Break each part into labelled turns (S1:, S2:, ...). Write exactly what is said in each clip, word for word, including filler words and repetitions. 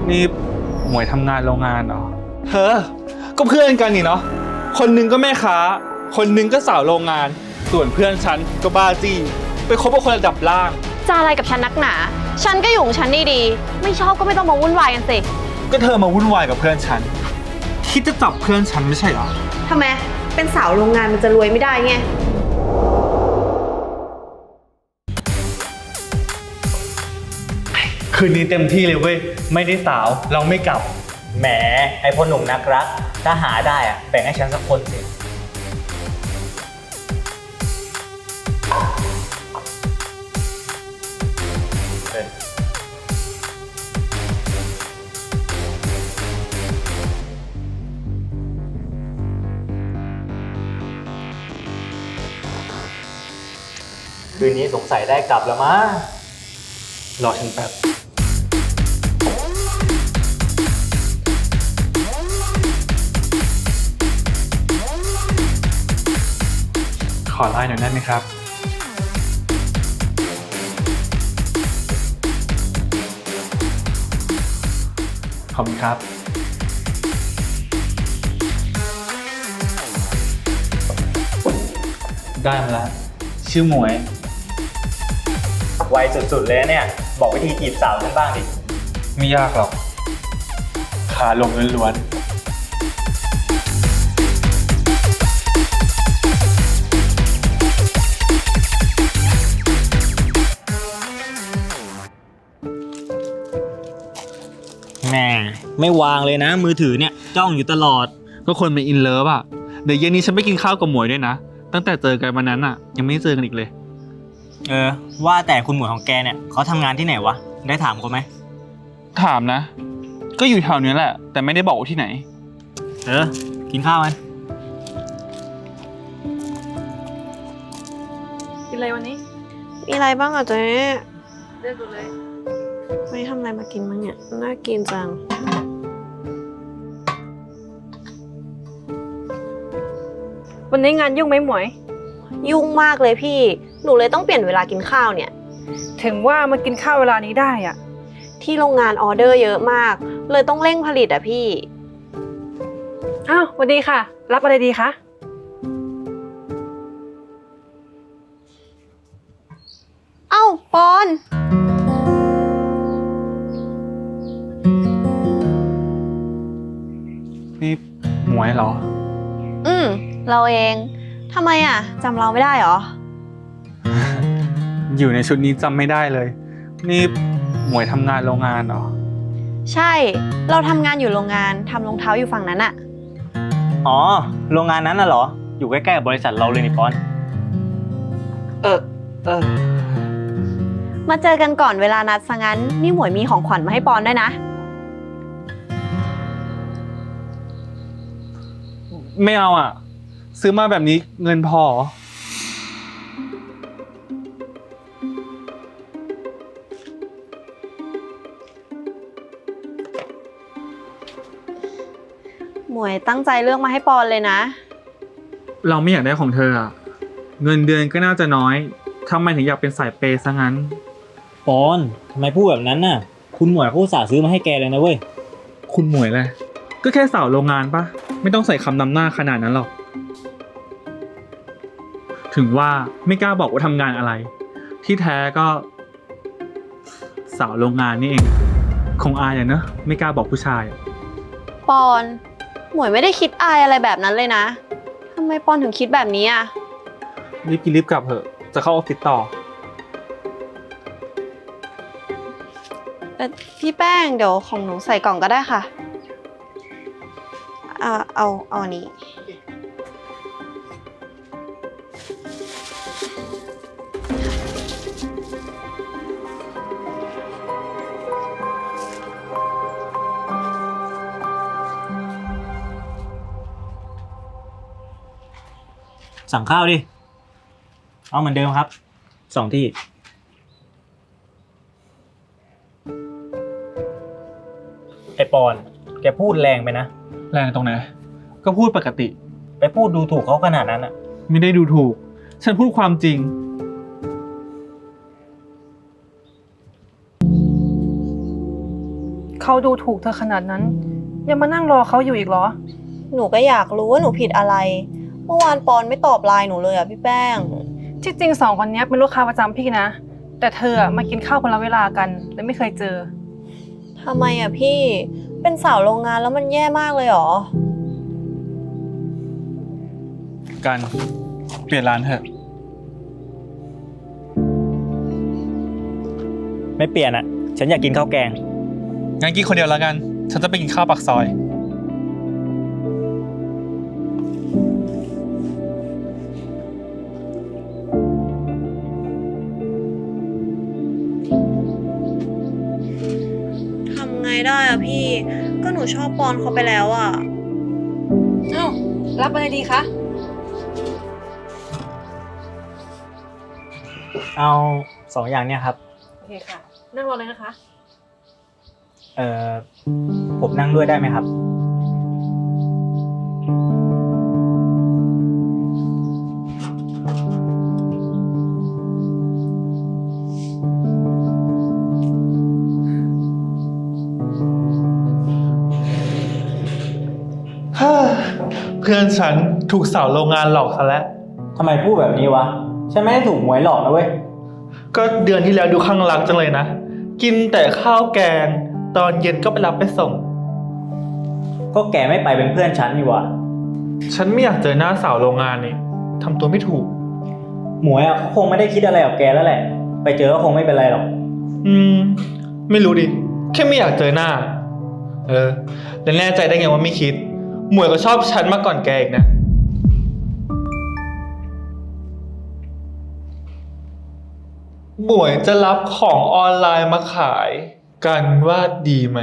S1: นี่หมวยทำงานโรงงานเหรอเธอก็เพื่อนกันนี่เนาะคนหนึงก็แม่ค้าคนหนึงก็สาวโรงงานส่วนเพื่อนฉันก็บ้าจี้ไปคบกับคนระดับล่าง
S2: จะอะไรกับฉันนักหนาฉันก็อยู่ของฉันดีๆไม่ชอบก็ไม่ต้องมาวุ่นวายกันสิ
S1: ก็เธอมาวุ่นวายกับเพื่อนฉันคิดจะจับเพื่อนฉันไม่ใช่เหรอ
S2: ทำไมเป็นสาวโรงงานมันจะรวยไม่ได้ไง
S1: คืนนี้เต็มที่เลยเว้ยไม่ได้สาวเราไม่กลับ
S3: แหมไอพ่อหนุ่มนักรักถ้าหาได้อะแบ่งให้ฉันสักคนสิคืนนี้สงสัยได้กลับแล้วมั้ง
S1: รอฉันแป๊บขอไลน์หน่อยได้ไหมครับขอบคุณครับได้มาแล้วชื่อหมวย
S3: ไวสุดๆเลยเนี่ยบอกวิธีจีบสาวฉันบ้างดิ
S1: ไม่ยากหรอกขาลงล้วน
S3: แหมไม่วางเลยนะมือถือเนี่ยจ้องอยู่ตลอด
S1: ก็คนเป็นอินเลิฟอ่ะเดี๋ยวเย็นนี้ฉันไปกินข้าวกับหมวยด้วยนะตั้งแต่เจอกันวันนั้นอ่ะยังไม่เจอกันอีกเลย
S3: เออว่าแต่คุณหมวยของแกเนี่ยเขาทำงานที่ไหนวะได้ถามเขาไหม
S1: ถามนะก็อยู่แถวนี้แหละแต่ไม่ได้บอกว่าที่ไหน
S3: เออกินข้าวกัน
S2: กินอะไรวันนี้มีอะไรบ้างอ่ะเจ๊เลือกดูเลยไม่ทำอะไรมากินมั้งเนี่ยน่ากินจังวันนี้งานยุ่งไหมหมวยยุ่งมากเลยพี่หนูเลยต้องเปลี่ยนเวลากินข้าวเนี่ย
S4: ถึงว่ามากินข้าวเวลานี้ได้อะ
S2: ที่โรงงานออเดอร์เยอะมากเลยต้องเร่งผลิตอะพี่
S4: อ้าวสวัสดีค่ะรับอะไรดีคะ
S2: เอ้าปอน
S1: นี่หมวยเหรอ
S2: อืมเราเองทำไมอะจำเราไม่ได้หรอ
S1: อยู่ในชุดนี้จำไม่ได้เลยนี่หมวยทำงานโรงงานเหรอ
S2: ใช่เราทำงานอยู่โรงงานทำรองเท้าอยู่ฝั่งนั้นอะ
S3: อ๋อโรงงานนั้นน่ะเหรออยู่ใกล้ๆกับบริษัทเราเลยนี่ปอน
S1: เออเออ
S2: มาเจอกันก่อนเวลานัดซะงั้นนี่หมวยมีของขวัญมาให้ปอนด้วยนะ
S1: ไม่เอาอ่ะซื้อมาแบบนี้เงินพอ
S2: หมวยตั้งใจเลือกมาให้ปอนเลยนะ
S1: เราไม่อยากได้ของเธออ่ะเงินเดือนก็น่าจะน้อยทำไมถึงอยากเป็นสายเปย์ซะงั้น
S3: ปอนทำไมพูดแบบนั้นน่ะคุณหมวยเขาอุตส่าห์ซื้อมาให้แกเลยนะเว้ย
S1: คุณหมวยเลยก็แค่สาวโรงงานปะไม่ต้องใส่คำนำหน้าขนาดนั้นหรอกถึงว่าไม่กล้าบอกว่าทำงานอะไรที่แท้ก็สาวโรงงานนี่เองคงอายอะเนอะไม่กล้าบอกผู้ชาย
S2: ปอนหมวยไม่ได้คิดอายอะไรแบบนั้นเลยนะทำไมปอนถึงคิดแบบนี้อ่ะ
S1: รีบกินรีบกลับเถอะจะเข้าออฟฟิศต่อ
S2: พี่แป้งเดี๋ยวของหนูใส่กล่องก็ได้ค่ะเอาเอาเอาอันนี้
S3: สั่งข้าวดิเอาเหมือนเดิมครับสองที่ไอปอนแกพูดแรงไปนะ
S1: แรงตรงไหนก็พูดปกติ
S3: ไปพูดดูถูกเขาขนาดนั้นอ่ะ
S1: ไม่ได้ดูถูกฉันพูดความจริง
S4: คเขาดูถูกเธอขนาดนั้น ยังมานั่งรอเขาอยู่อีกเหรอ
S2: หนูก็อยากรู้ว่าหนูผิดอะไร เมื่อวานปอนไม่ตอบไลน์หนูเลยอะพี่แป้ง
S4: ที่จริงสองคนนี้เป็นลูกค้าประจำพี่นะ แต่เธออะมากินข้าวคนละเวลากันเลยไม่เคยเจอ
S2: ทำไมอะพี่ เป็นสาวโรงงานแล้วมันแย่มากเลยเหรอ
S1: กันเปลี่ยนร้านเถอะ
S3: ไม่เปลี่ยนอ่ะ ฉันอยากกินข้าวแกง
S1: งั้นกินคนเดียวแล้วกัน ฉันจะไปกินข้าวปากซอย
S2: ทำไงได้อะพี่ ก็หนูชอบปอนเขาไปแล้วอะ
S4: เอ้า รับอะไรดีคะ
S3: เอาสองอย่างเนี่ยครับ
S4: โอเคค่ะ นั่งรอเลยนะคะ
S3: เอ่อ ผมนั่งด้วยได้ไหมครับ
S1: เพื่อนฉันถูกสาวโรงงานหลอกซะแล้ว
S3: ทำไมพูดแบบนี้วะ ฉันไม่ได้ถูกหวยหลอกนะเว้ย
S1: ก็เดือนที่แล้วดูข้างรักจังเลยนะ กินแต่ข้าวแกง ตอนเย็นก็ไปรับไปส่ง
S3: ก็แกไม่ไปเป็นเพื่อนฉันนี่วะ
S1: ฉันไม่อยากเจอหน้าสาวโรงงานนี่ทำตัวไม่ถูก
S3: หมวยอ่ะเขาคงไม่ได้คิดอะไรกับแกแล้วแหละ ไปเจอก็คงไม่เป็นไรหรอก
S1: อืม ไม่รู้ดิ แค่ไม่อยากเจอหน้า เออ แล้วแน่ใจได้ไงว่าไม่คิด หมวยก็ชอบฉันมาก่อนแกอีกนะ หมวยจะรับของออนไลน์มาขายกันว่าดีไหม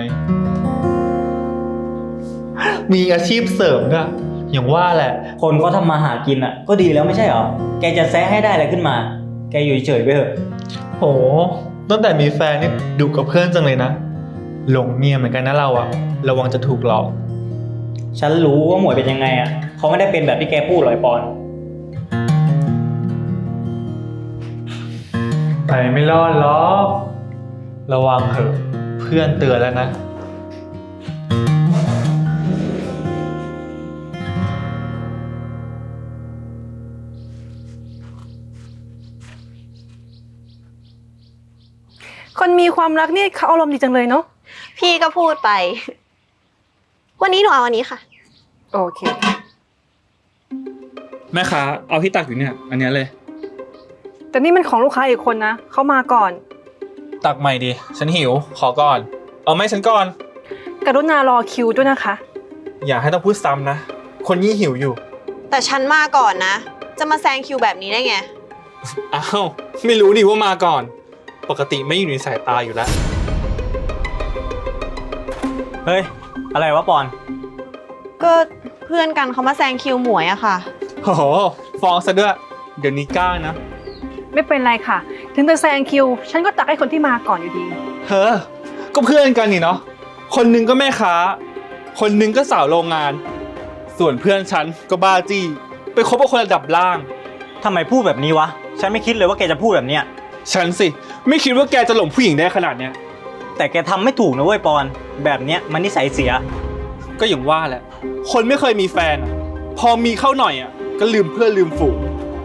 S1: มีอาชีพเสริมด้วยอย่างว่าแหละ
S3: คนเขาทำมาหากินอ่ะ ก็ดีแล้วไม่ใช่เหรอ แกจะแซะให้ได้อะไรขึ้นมา แกอยู่เฉยๆไปเถอะ
S1: โห ตั้งแต่มีแฟนนี่ดุกับเพื่อนจังเลยนะ หลงเมียเหมือนกันนะเราอะระวังจะถูกหลอก
S3: ฉันรู้ว่าหมวยเป็นยังไงอ่ะ เขาไม่ได้เป็นแบบที่แกพูดหรอกไอ้ปอน
S1: ไปไม่รอดหรอก ระวังเถอะ เพื่อนเตือนแล้วนะ
S4: คนมีความรักนี่เขาอารมณ์ดีจังเลยเนาะ
S2: พี่ก็พูดไป วันนี้หนูเอาอันนี้ค่ะ
S4: โอเค
S1: แม่ค้าเอาที่ตักอยู่เนี่ย อันเนี้ยเลย
S4: แต่นี่มันของลูกค้าอีกคนนะ เขามาก่อน
S1: ตักใหม่ดิ ฉันหิว ขอก่อน เอาไหมฉันก่อน
S4: กรุณารอคิวด้วยนะคะ
S1: อย่าให้ต้องพูดซ้ำนะ คนยี่หิวอยู่
S2: แต่ฉันมาก่อนนะ จะมาแซงคิวแบบนี้ได้ไง
S1: อ้าว ไม่รู้ดิว่ามาก่อน ปกติไม่อยู่ในสายตาอยู่แล้ว
S3: เฮ้ย อะไรวะปอน
S2: ก็เพื่อนกันเขามาแซงคิวหมวยอะค่ะ
S1: โอ้โห ฟ้องซะด้วย เดี๋ยวนี้กล้านะ
S4: ไม่เป็นไรค่ะ ถึงจะแซงคิว ฉันก็ตักให้คนที่มาก่อนอยู่ดี
S1: เฮ้อ ก็เพื่อนกันนี่เนาะ คนหนึงก็แม่ค้า คนหนึงก็สาวโรงงาน ส่วนเพื่อนฉันก็บ้าจี้ ไปคบกับคนระดับล่าง
S3: ทำไมพูดแบบนี้วะ ฉันไม่คิดเลยว่าแกจะพูดแบบเนี้ย
S1: ฉันสิ ไม่คิดว่าแกจะหลงผู้หญิงได้ขนาดเนี้ย
S3: แต่แกทำไม่ถูกนะเว้ยปอน แบบเนี้ยมันนิสัยเสีย
S1: ก็อย่างว่าแหละ คนไม่เคยมีแฟนอะพอมีเข้าหน่อยอ่ะ ก็ลืมเพื่อนลืมฝูง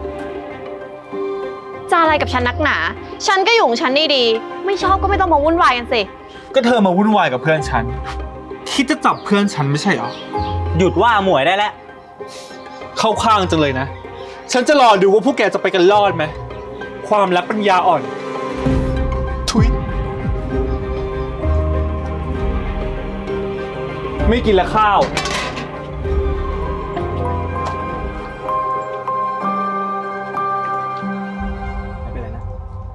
S2: จะอะไรกับฉันนักหนา ฉันก็อยู่ของฉันนี่ดี ไม่ชอบก็ไม่ต้องมาวุ่นวายกันสิ
S1: ก็เธอมาวุ่นวายกับเพื่อนฉัน คิดจะจับเพื่อนฉันไม่ใช่เหรอ
S3: หยุดว่าหมวยได้แล้ว
S1: เข้าข้างจังเลยนะ ฉันจะรอดูว่าพวกแกจะไปกันรอดไหม ความรักปัญญาอ่อน ทุยไม่กินละข้าว
S3: ไม่เป็นไรนะ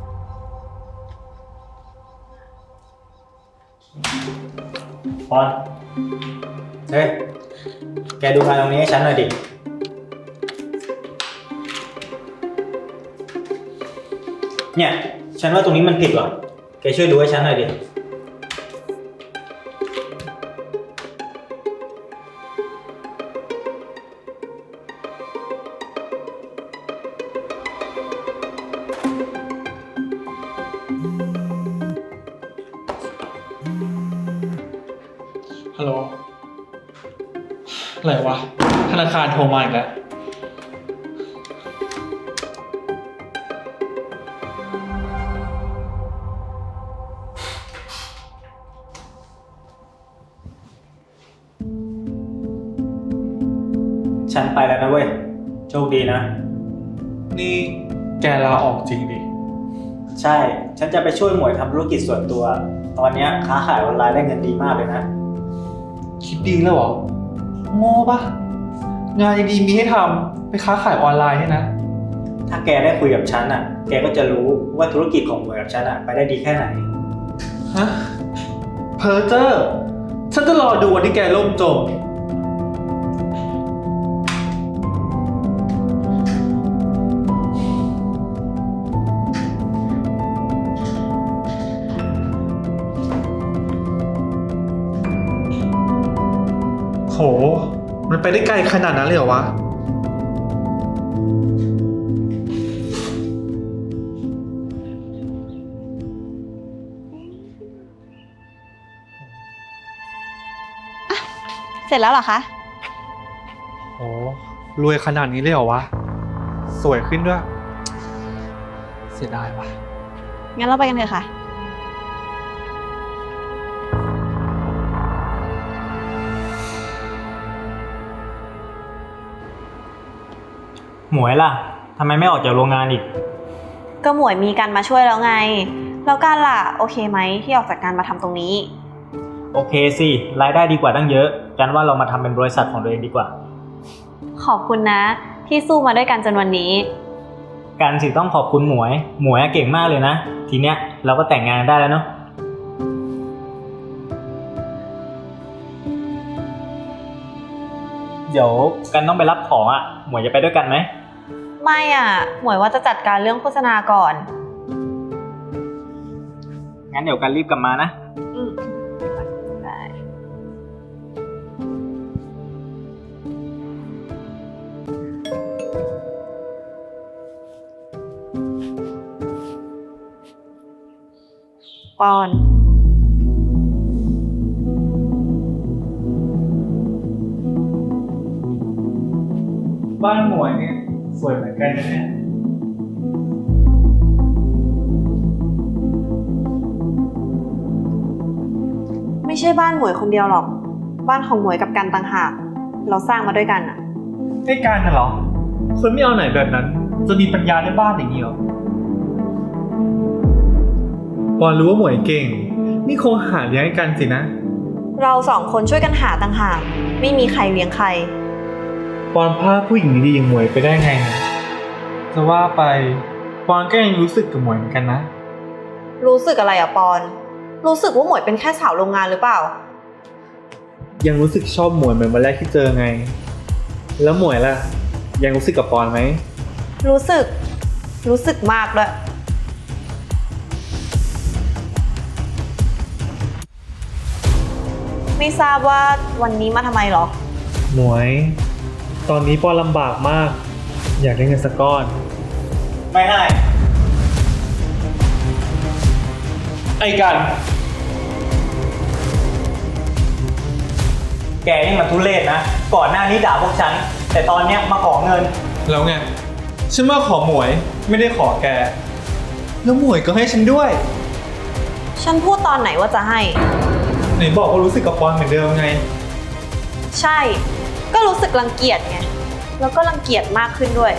S3: ปอน เฮ้ย แกดูงานตรงนี้ให้ฉันหน่อยดิ เนี่ย ฉันว่าตรงนี้มันผิดว่ะ แกช่วยดูให้ฉันหน่อยดิ
S1: ฮัลโหล อะไรวะ ธนาคารโทรมาอีกแล้ว
S3: ฉันไปแล้วนะเว้ย โชคดีนะ
S1: นี่แกลาออกจริงดิ
S3: ใช่ ฉันจะไปช่วยหมวยทำธุรกิจส่วนตัว ตอนเนี้ยค้าขายออนไลน์ได้เงินดีมากเลยนะ
S1: คิดดีแล้วเหรอ โง่ปะงานดีๆมีให้ทำไปค้าขายออนไลน์เนี่ยนะ
S3: ถ้าแกได้คุยกับฉันอ่ะ แกก็จะรู้ว่าธุรกิจของหมวยกับฉันอ่ะไปได้ดีแค่ไหน
S1: ฮะ เพอเจอร์ ฉันจะรอดูวันที่แกล่มจม โห มันไปได้ไกลขนาดนั้นเลยเหรอวะ
S2: เสร็จแล้วเหรอคะ
S1: โห รวยขนาดนี้เลยเหรอวะ สวยขึ้นด้วย เสียดายวะ
S2: งั้นเราไปกันเถอะค่ะ
S3: หมวยล่ะทำไมไม่ออกจากโรงงานอีก
S2: ก็หมวยมีกันมาช่วยแล้วไง แล้วกันล่ะ โอเคไหมที่ออกจากการมาทำตรงนี้
S3: โอเคสิ รายได้ดีกว่าตั้งเยอะ กันว่าเรามาทำเป็นบริษัทของตัวเองดีกว่า
S2: ขอบคุณนะ ที่สู้มาด้วยกันจนวันนี้
S3: การสิต้องขอบคุณหมวย หมวยเก่งมากเลยนะ ทีเนี้ยเราก็แต่งงานได้แล้วเนาะ เดี๋ยวกันต้องไปรับของอ่ะ หมวยจะไปด้วยกันไหม
S2: ไม่อ่ะ หมวยว่าจะจัดการเรื่องโฆษณาก่อน
S3: งั้นเดี๋ยวกันรีบกลับมานะ
S2: อืมได้ ปอน
S1: บ้านหมวยเนี่ยสวยเหมือนกันนะเนี่ย
S2: ไม่ใช่บ้านหมวยคนเดียวหรอก บ้านของหมวยกับกันต่างหาก เราสร้างมาด้วยกันอ่ะ
S1: ไอ้การน่ะเหรอ คนไม่เอาไหนแบบนั้น จะมีปัญญาได้บ้านอย่างนี้เหรอปอนรู้ว่าหมวยเก่ง นี่คงหาเลี้ยงให้กันสินะ
S2: เราสองคนช่วยกันหาต่างหาก ไม่มีใครเลี้ยงใคร
S1: ปอนพลาดผู้หญิงดีๆอย่างหมวยไปได้ไงนะจะว่าไปปอนก็ยังรู้สึกกับหมวยเหมือนกันนะ
S2: รู้สึกอะไรอะปอน รู้สึกว่าหมวยเป็นแค่สาวโรงงานหรือเปล่า
S1: ยังรู้สึกชอบหมวยเหมือนวันแรกที่เจอไง แล้วหมวยล่ะ ยังรู้สึกกับปอนไหม
S2: รู้สึก รู้สึกมากด้วย ไม่ทราบว่าวันนี้มาทำไมหรอ
S1: หมวย ตอนนี้ปอนลำบากมาก อยากได้เงินสักก้อน
S3: ไม่ให้
S1: ไอ้กัน
S3: แกนี่มันทุเรศนะ ก่อนหน้านี้ด่าพวกฉัน แต่ตอนเนี้ยมาขอเงิน
S1: แล้วไง ฉันมาขอหมวยไม่ได้ขอแก แล้วหมวยก็ให้ฉันด้วย
S2: ฉันพูดตอนไหนว่าจะให้
S1: ไหนบอกว่ารู้สึกกับปอนเหมือนเดิมไง
S2: ใช่ ก็รู้สึกรังเกียจไง แล้วก็รังเกียจมากขึ้นด้วย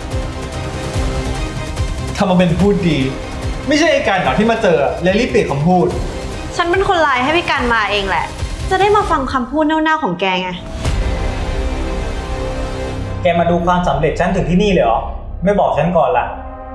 S1: ทำมาเป็นพูดดี ไม่ใช่ไอ้การเหรอที่มาเจอเลยรีบเปลี่ยนคำพูด
S2: ฉันเป็นคนไลน์ให้พี่กันมาเองแหละ จะได้มาฟังคำพูดเน่าๆของแกไง
S3: แกมาดูความสำเร็จฉันถึงที่นี่เลยเหรอ ไม่บอกฉันก่อนล่ะ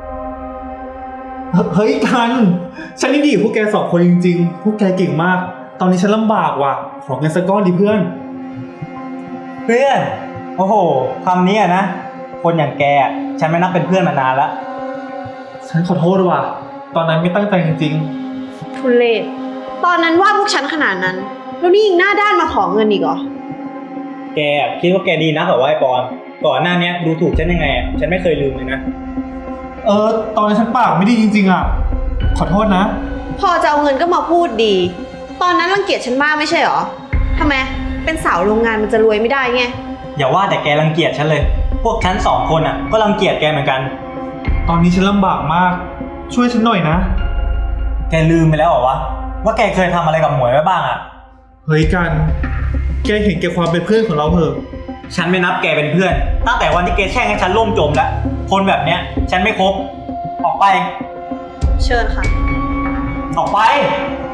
S1: เฮ้ยกัน ฉันนี่ดีกับพวกแกสองคนจริงๆ พวกแกเก่งมาก ตอนนี้ฉันลำบากว่ะ ขอเงินสักก้อนดิเพื่อน
S3: เพื่อน โอ้โหคำนี้อะนะ คนอย่างแกอะฉันไม่นับเป็นเพื่อนมานานแล้ว
S1: ฉันขอโทษว่ะ ตอนนั้นไม่ตั้งใจจริง
S2: ทุเลศตอนนั้นว่าพวกฉันขนาดนั้น แล้วนี่ยิงหน้าด้านมาขอเงินอีกเหรอ
S3: แกอะคิดว่าแกดีนะเหรอวะไอ้ปอน ก่อนหน้าเนี้ยดูถูกฉันยังไงอะฉันไม่เคยลืมเลยนะ
S1: ๆ เออ ตอนนั้นฉันปากไม่ดีจริงๆอ่ะ ขอโทษนะ
S2: พอจะเอาเงินก็มาพูดดี ตอนนั้นรังเกียจฉันมากไม่ใช่เหรอทำไม เป็นสาวโรงงานมันจะรวยไม่ได้ไง
S3: อย่าว่าแต่แกรังเกียจฉันเลย พวกฉันสองคนอ่ะก็รังเกียจแกเหมือนกัน
S1: ตอนนี้ฉันลำบากมาก ช่วยฉันหน่อยนะ
S3: แกลืมไปแล้วเหรอวะว่าแกเคยทำอะไรกับหมวยไว้บ้างอ่ะ
S1: เฮ้ยกัน แกเห็นแกความเป็นเพื่อนของเราเถอะ
S3: ฉันไม่นับแกเป็นเพื่อน ตั้งแต่วันที่แกแช่งให้ฉันล่มจมแล้ว คนแบบเนี้ย ฉันไม่คบ ออกไป
S2: เชิญค่ะ
S3: ออกไป